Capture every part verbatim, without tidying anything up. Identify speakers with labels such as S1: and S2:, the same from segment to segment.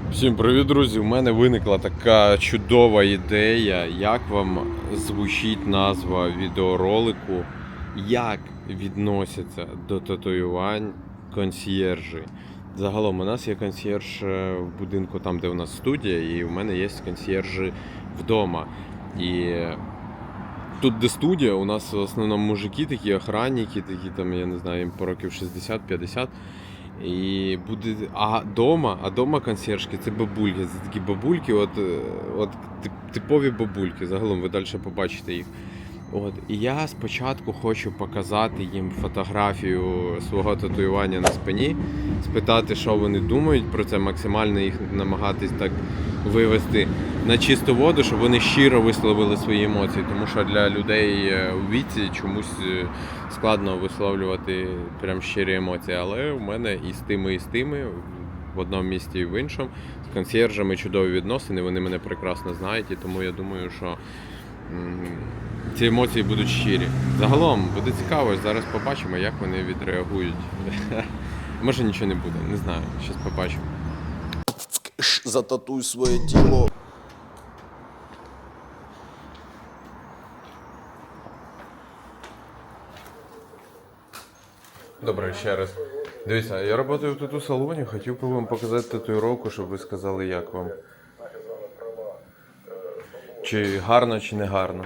S1: Всім привіт, друзі! У мене виникла така чудова ідея, як вам звучить назва відеоролику, як відносяться до татуювань консьєржі. Загалом у нас є консьєрж в будинку, там де у нас студія, і у мене є консьєржі вдома. І тут, де студія, у нас в основному мужики, такі охранники, такі там, я не знаю, їм по років шістдесят-п'ятдесят. І буде, а дома, а дома консьержки це бабульки, це такі бабульки, от, от типові бабульки, загалом ви далі побачите їх. От. І я спочатку хочу показати їм фотографію свого татуювання на спині, спитати, що вони думають про це, максимально їх намагатись так вивести на чисту воду, щоб вони щиро висловили свої емоції, тому що для людей у віці чомусь складно висловлювати прям щирі емоції, але у мене і з тими, і з тими, в одному місті і в іншому, з консьєржами чудові відносини, вони мене прекрасно знають, і тому я думаю, що ці емоції будуть щирі. Загалом буде цікаво, зараз побачимо, як вони відреагують. Може нічого не буде, не знаю, зараз побачимо.
S2: Зататуй своє тіло.
S1: Добре, ще раз. Дивіться, я працюю в тату-салоні, хотів би вам показати татуїровку, щоб ви сказали, як вам. Чи гарно, чи не гарно.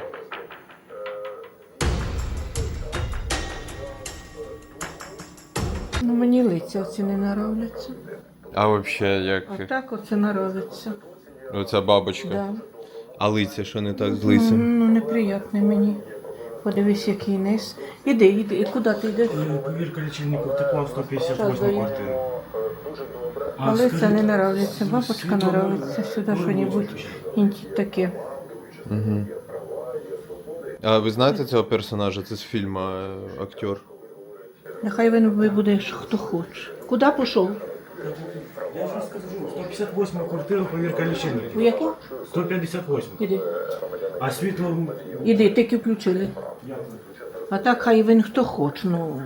S3: Ну, мені лиця оці не нравляться.
S1: А взагалі, як
S3: А так оце нравиться.
S1: оця бабочка?
S3: Да.
S1: А лиця, що не так з
S3: Ну,
S1: лицем?
S3: ну, неприятне мені. Подивись, який низ. Іди, іди, і куди ти йдеш?
S4: Повірка лічильників тепла в сто п'ятдесят
S3: Що
S4: восьму
S3: дає?
S4: квартиру.
S3: А лиця не нравляться. Бабочка нравиться. Сюди що-небудь інті таке.
S1: Угу. А ви знаєте цього персонажа? Це з фільму актер.
S3: Нехай він вибуде, хто хоче. Куди пішов?
S4: Я ж скажу, сто п'ятдесят восьму квартиру повірка
S3: У
S4: лічильників.
S3: яку?
S4: сто п'ятдесят восьму.
S3: Іди.
S4: А світло...
S3: Іди, тільки включили. А так хай він хто хоче, ну...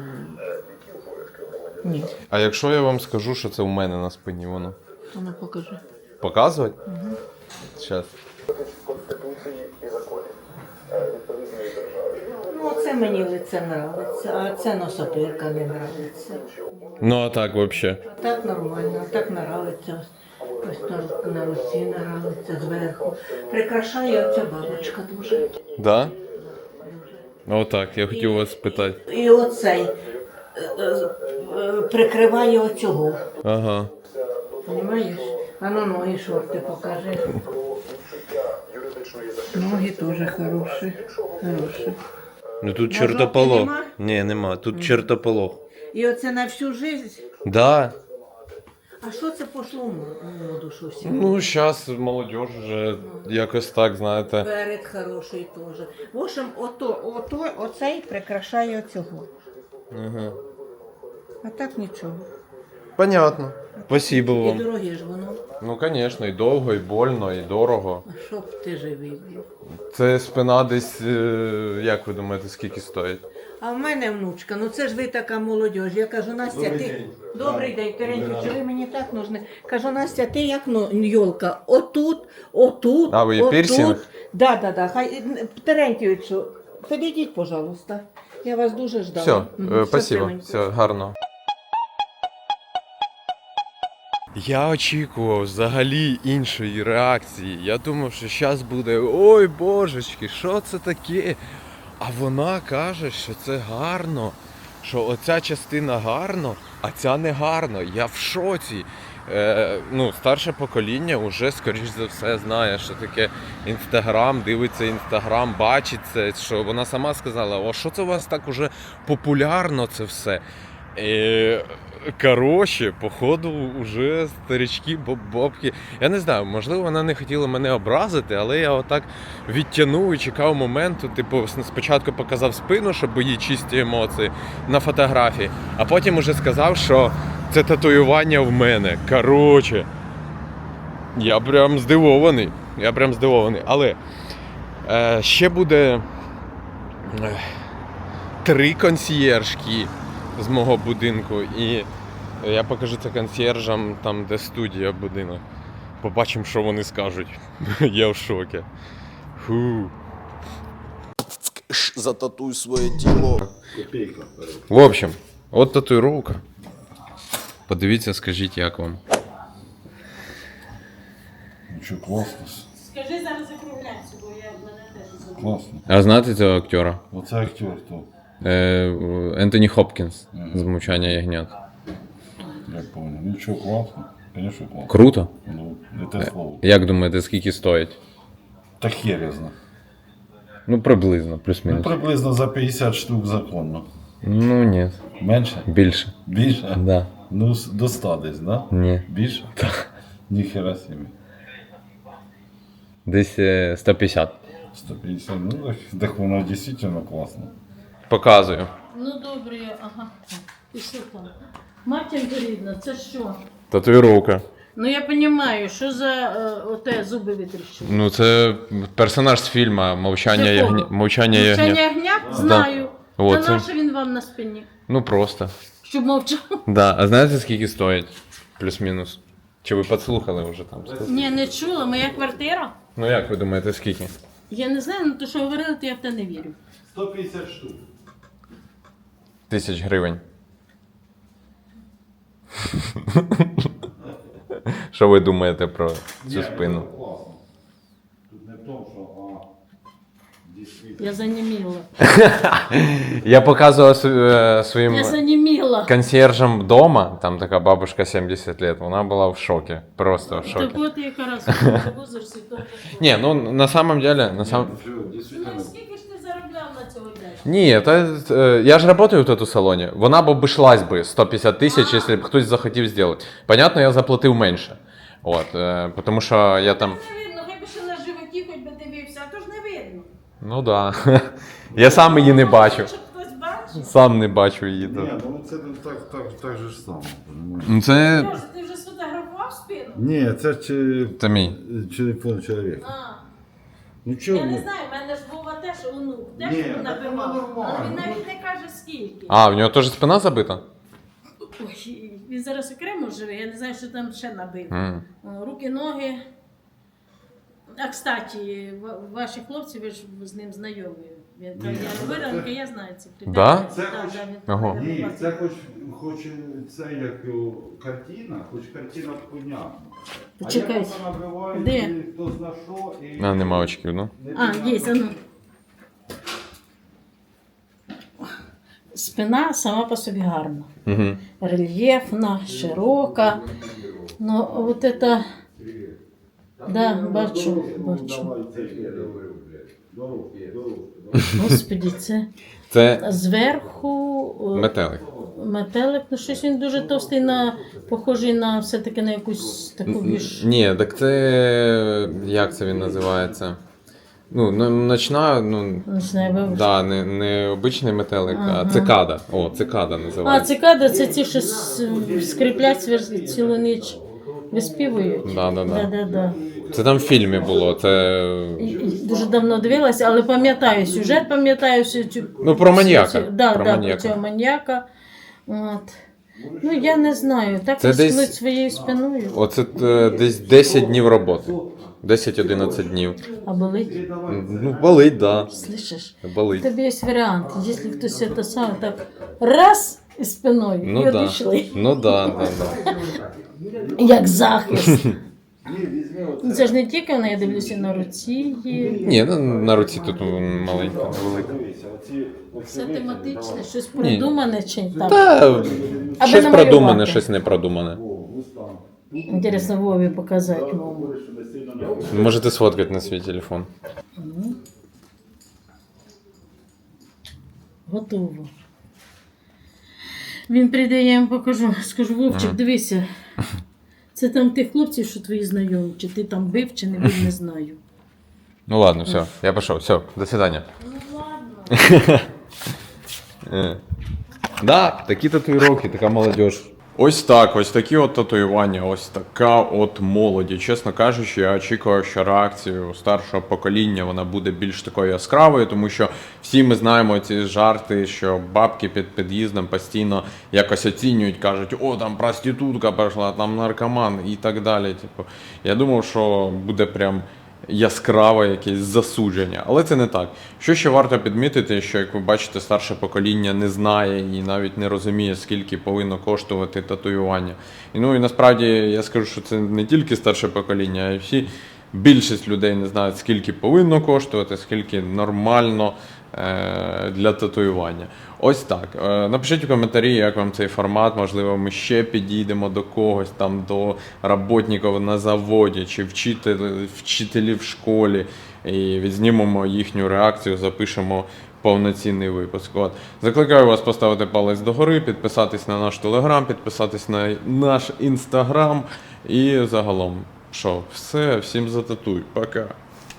S3: Ні.
S1: А якщо я вам скажу, що це у мене на спині воно?
S3: А ну покажи.
S1: Показувати? Угу. Зараз.
S3: Ну, це мені лице нравиться, а це носопирка не нравиться.
S1: Ну а так взагалі.
S3: А так нормально, а так нравиться. Ось на, на руці нравиться зверху. Прикрашає оця бабочка дуже.
S1: Да? Отак, я хотів вас спитати.
S3: І оцей е, е, е, прикриває оцього.
S1: Ага.
S3: Понімаєш? А ну ноги шорти покажи. Ноги теж хороші. Хороші.
S1: Ну тут
S3: На
S1: чертополох.
S3: жовтій нема?
S1: Ні, нема. Тут чертополох.
S3: І оце на всю життя.
S1: Да.
S3: А що це пішло в моду, що всі?
S1: Ну, зараз молодь вже якось так, знаєте.
S3: Перед хороший теж. В общем, ото, ото, оцей прикрашає оцього.
S1: Ага.
S3: А так нічого.
S1: Понятно. Спасибо
S3: І
S1: вам.
S3: дороге ж воно.
S1: Ну, звісно, і довго, і больно, і дорого.
S3: А щоб ти живий був.
S1: Це спина десь, е, як ви думаєте, скільки стоїть?
S3: А в мене внучка, ну це ж ви така молодь. Я кажу, Настя, ти... Добрий день, Терентьович, ви мені так нужны. Кажу, Настя, ти як ну, йолка? Отут, отут,
S1: А, ви є
S3: отут.
S1: пірсинг?
S3: Да, да, да. Хай, Терентьовичу, підійдіть, пожалуйста. Я вас дуже ждала.
S1: Все,
S3: Мгм,
S1: е, спасибо,
S3: щасливенько.
S1: все, гарно. Я очікував взагалі іншої реакції. Я думав, що зараз буде ой божечки, що це таке? А вона каже, що це гарно, що оця частина гарно, а ця не гарно. Я в шоці. Е, ну, старше покоління вже, скоріш за все, знає, що таке Інстаграм, дивиться Інстаграм, бачить це, що вона сама сказала, о, що це у вас так уже популярно це все. І, коротше, походу, вже старички, боб-бобки. Я не знаю, можливо, вона не хотіла мене образити, але я отак відтягнув і чекав моменту. Типу, спочатку показав спину, щоб її чисті емоції на фотографії, а потім уже сказав, що це татуювання в мене. Коротше, я прям здивований. Я прям здивований. Але е, ще буде е, три консьєржки з мого будинку, і я покажу це консьєржам там, де студія, будинок. Побачимо, що вони скажуть. Я в шокі. Фу. Зататуй своє тіло. В общем, от татуїровка. Подивіться, скажіть, як вам.
S2: Ну що, класно.
S3: Скажи зараз закругляйся, бо я в мене теж забула.
S2: Класно.
S1: А знаєте цього актера?
S2: Оце актер хто?
S1: Е, Ентоні Хопкінс з «Мовчання ягнят».
S2: Я понял. Ну що, класно? Конечно, класно.
S1: Круто.
S2: Ну, не те слово.
S1: Як думаєте, скільки стоїть?
S2: Та хер я знаю.
S1: Ну, приблизно,
S2: Ну,
S1: плюс-мінус.
S2: приблизно за п'ятдесят штук законно.
S1: Ну, ні.
S2: Менше?
S1: Більше.
S2: Більше?
S1: Да.
S2: Ну, с- до ста десь, да?
S1: Ні.
S2: Більше? Так. Ніхера собі.
S1: Десь е, сто п'ятдесят.
S2: сто п'ятдесят, ну так, так воно дійсно класно.
S1: Показую.
S3: Ну добре, ага. І що там? Матінка рідна, це що?
S1: Татуїровка.
S3: Ну я розумію, що за е, оте зуби витріщили.
S1: Ну, це персонаж з фільму «Мовчання
S3: З якого?
S1: ягнят». «Мовчання
S3: Мовчання
S1: ягнят».
S3: ягнят? Знаю.
S1: О,
S3: Та
S1: це-
S3: нащо він вам на спині?
S1: Ну, просто.
S3: Щоб мовчав?
S1: Да. А знаєте, скільки стоїть? Плюс-мінус. Чи ви підслухали вже там?
S3: Ні, не чула, моя квартира.
S1: Ну, як ви думаєте, скільки?
S3: Я не знаю, ну то що говорили, то я в те не вірю.
S2: сто п'ятдесят штук.
S1: Тисяч гривень. Що ви думаєте про цю спину?
S2: Класно. Тут не в тому, що, а, дійсно.
S3: Я заніміла.
S1: Я показував св- е, своїм
S3: Я заніміла.
S1: консьержам вдома, там така бабушка сімдесят років, вона була в шокі. Просто в
S3: Так
S1: шокі.
S3: от якраз в возрасті то.
S1: Ні, ну на самом деле, на сам...
S2: Що, дійсно.
S3: Ну скільки ж ти заробляв на цього дня?
S1: Ні, та, е, я ж працюю тут у салоні. Вона б обійшлась би сто п'ятдесят тисяч, якщо б хтось захотів зробити. Понятно, я заплатив менше. От, е, тому що я там...
S3: Не видно, хай би ще на животі хоч би дивився, а то ж не видно.
S1: Ну да. Я сам її не бачу.
S3: Щоб хтось бачив.
S1: Сам не бачу її тут.
S2: Ні, ну це не так, так, так же ж само. понімаєш?
S1: Ну це.
S3: Боже, ти вже сфотографував спину?
S2: Ні, це чи...
S1: Це мій.
S2: телефон чоловіка.
S3: А.
S2: Ну чого?
S3: Я не
S2: ні?
S3: знаю, в мене ж Вова теж онук, теж
S2: Ні, так
S3: набивав.
S2: воно нормально.
S3: Але він навіть не каже скільки.
S1: А, в нього теж спина забита?
S3: Ой, він зараз окремо живе, я не знаю, що там ще набив.
S1: М.
S3: О, руки, ноги. А кстати, ва- ваші хлопці, ви ж з ним знайомі. Він каже, я виранка, я знаю ці критерії.
S1: Да?
S2: Це
S3: Да,
S2: хоч-
S3: да, він
S1: Ага.
S3: мене
S2: Ні,
S3: бачив.
S2: це хоч, хоч це як його картина, хоч картина понятна.
S3: Почекай.
S2: А як вона набиває,
S3: Де?
S2: і хто зна що, і...
S1: А, нема очків, ну.
S3: А, є, а ну. Спина сама по собі гарна.
S1: Угу.
S3: Рельєфна, широка. Ну, от это... Да, бачу, бачу. Господи, це
S1: Це
S3: зверху о,
S1: метелик.
S3: метелик, ну щось він дуже товстий, на, похожий на все-таки на якусь таку віж.
S1: Ні, так це. Як це він називається? Ну, ну, ночна, ну.
S3: Не знаю, ви...
S1: Да, не, не обичний метелик,
S3: Ага.
S1: а цикада. О, цикада
S3: А,
S1: називається.
S3: цикади це ті, що с- скріплять свер- цілу ніч, виспівують.
S1: Да, да, да.
S3: Да, да, да.
S1: Це там в фільмі було. Це.
S3: І- і Дуже давно дивилася, але пам'ятаю сюжет, пам'ятаю всю цю.
S1: Ну, про маньяка.
S3: всю цю- Да,
S1: Про
S3: да,
S1: маньяка.
S3: про цього маньяка. От. Ну, я не знаю, так
S1: Це
S3: рискнуть
S1: десь-
S3: своєю спиною.
S1: Оце е, десь десять днів роботи. десять-одинадцять днів.
S3: А болить?
S1: Ну, болить, да.
S3: Слышиш?
S1: Болить.
S3: Тобі є варіант, якщо хтось це саме так раз і спиною,
S1: Ну
S3: і
S1: да.
S3: одійшли.
S1: Ну да, да, да.
S3: Як захист. Ну, це ж не тільки вона, я дивлюся на руці. Є.
S1: Ні, ну, на руці тут маленька, невелика.
S3: Все тематичне, щось придумане чи так.
S1: Та,
S3: Аби
S1: щось
S3: намалювати.
S1: продумане, щось не продумане.
S3: Інтересно Вові показати мову.
S1: Можете сфоткати на свій телефон.
S3: Готово. Він прийде, я їм покажу. Скажу, Вовчик,
S1: Ага.
S3: дивися. Це там тих хлопців, що твої знайомі, чи ти там бив, чи не бив, не знаю.
S1: Ну ладно, все, я пішов. Все, до свидання.
S3: Ну ладно.
S1: Е. Да, такі татуїровки, така молодь. Ось так, ось такі от татуювання, ось така от молоді. Чесно кажучи, я очікував, що реакцію старшого покоління вона буде більш такою яскравою, тому що всі ми знаємо ці жарти, що бабки під під'їздом постійно якось оцінюють, кажуть, о, там проститутка пішла, там наркоман і так далі. Типу, я думав, що буде прям яскраве якесь засудження, але це не так. Що ще варто підмітити, що, як ви бачите, старше покоління не знає і навіть не розуміє, скільки повинно коштувати татуювання. І, ну і насправді я скажу, що це не тільки старше покоління, а й всі, більшість людей не знають, скільки повинно коштувати, скільки нормально е- для татуювання. Ось так. Е, Напишіть в коментарі, як вам цей формат. Можливо, ми ще підійдемо до когось, там, до роботників на заводі, чи вчителів, вчителів в школі, і відзнімемо їхню реакцію, запишемо повноцінний випуск. От. Закликаю вас поставити палець догори, підписатись на наш телеграм, підписатись на наш інстаграм і загалом. Що, все, всім зататуй. Пока.